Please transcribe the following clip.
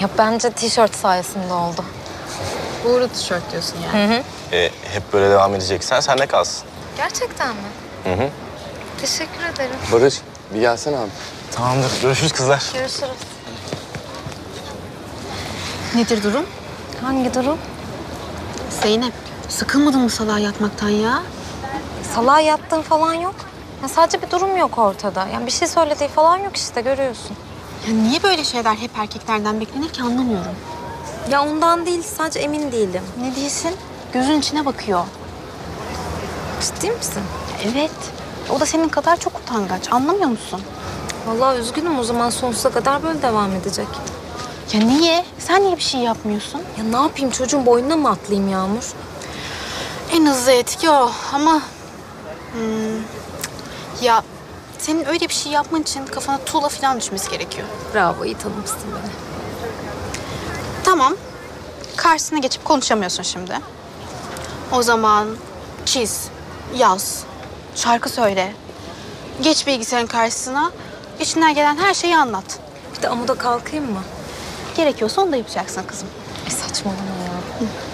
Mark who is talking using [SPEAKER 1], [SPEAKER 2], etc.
[SPEAKER 1] Ya bence tişört sayesinde oldu.
[SPEAKER 2] Uğurlu tişört diyorsun yani.
[SPEAKER 3] Hep böyle devam edeceksen sen de kalsın.
[SPEAKER 1] Gerçekten mi?
[SPEAKER 3] Hı.
[SPEAKER 1] Teşekkür ederim.
[SPEAKER 4] Barış, bir gelsene abi.
[SPEAKER 3] Tamamdır. Görüşürüz kızlar.
[SPEAKER 1] Görüşürüz.
[SPEAKER 2] Nedir durum?
[SPEAKER 1] Hangi durum?
[SPEAKER 2] Zeynep, sıkılmadın mı salağa yatmaktan ya?
[SPEAKER 1] Salağa yattığın falan yok. Ya sadece bir durum yok ortada. Yani bir şey söylediği falan yok işte, görüyorsun.
[SPEAKER 2] Ya niye böyle şeyler hep erkeklerden beklenir ki anlamıyorum.
[SPEAKER 1] Ya ondan değil, sadece emin değilim.
[SPEAKER 2] Ne değilsin? Gözün içine bakıyor.
[SPEAKER 1] Ciddi misin?
[SPEAKER 2] Evet. O da senin kadar çok utangaç. Anlamıyor musun?
[SPEAKER 1] Vallahi üzgünüm, o zaman sonsuza kadar böyle devam edecek.
[SPEAKER 2] Ya niye? Sen niye bir şey yapmıyorsun?
[SPEAKER 1] Ya ne yapayım, çocuğun boynuna mı atlayayım Yağmur?
[SPEAKER 2] En hızlı etki o ama... ya senin öyle bir şey yapman için kafana tuğla falan düşmesi gerekiyor.
[SPEAKER 1] Bravo, iyi tanımışsın beni.
[SPEAKER 2] Tamam. Karşısına geçip konuşamıyorsun şimdi. O zaman çiz, yaz, şarkı söyle. Geç bilgisayarın karşısına, içinden gelen her şeyi anlat.
[SPEAKER 1] Bir de amuda kalkayım mı?
[SPEAKER 2] Gerekiyorsa onu da yapacaksın kızım.
[SPEAKER 1] Saçmalama ya.